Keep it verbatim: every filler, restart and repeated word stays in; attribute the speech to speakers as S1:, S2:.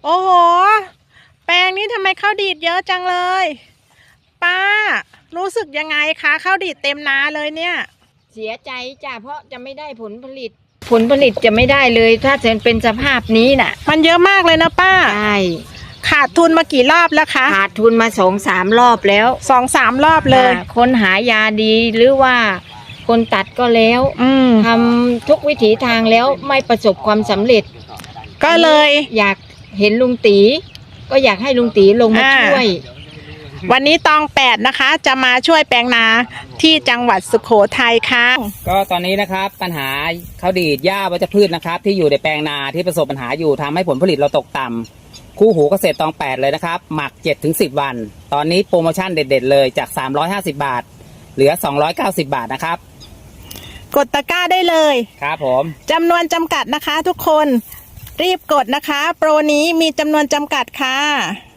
S1: โอ้โหแปลงนี้ทำไมข้าวดีดเยอะจังเลยป้ารู้สึกยังไงคะข้าวดีดเต็มนาเลยเนี่ย
S2: เสียใจจ้ะเพราะจะไม่ได้ผลผลิตผลผลิตจะไม่ได้เลยถ้าจะเป็นสภาพนี้น่ะ
S1: มันเยอะมากเลยนะป้า
S2: ใช่
S1: ขาดทุนมากี่รอบแล้วคะ
S2: ขาดทุนมาสองสามรอบแล้ว
S1: สองสามรอบเลย
S2: คนหายาดีหรือว่าคนตัดก็แล้วทำทุกวิถีทางแล้วไม่ประสบความสำเร็จ
S1: ก็เลย
S2: อยากเห็นลุงตีก็อยากให้ลุงตีลงมาช่วย
S1: วันนี้ตองแปดนะคะจะมาช่วยแปลงนาที่จังหวัดสุโขทัยค่ะ
S3: ก็ตอนนี้นะครับปัญหาข้าวดีดหญ้าวัชพืชนะครับที่อยู่ในแปลงนาที่ประสบปัญหาอยู่ทำให้ผลผลิตเราตกต่ำคู่หูเกษตรตองแปดเลยนะครับหมัก เจ็ดถึงสิบ วันตอนนี้โปรโมชั่นเด็ดๆเลยจากสามร้อยห้าสิบบาทเหลือสองร้อยเก้าสิบบาทนะครับ
S1: กดตะกร้าได้เลย
S3: ครับผม
S1: จำนวนจำกัดนะคะทุกคนรีบกดนะคะโปรนี้มีจำนวนจำกัดค่ะ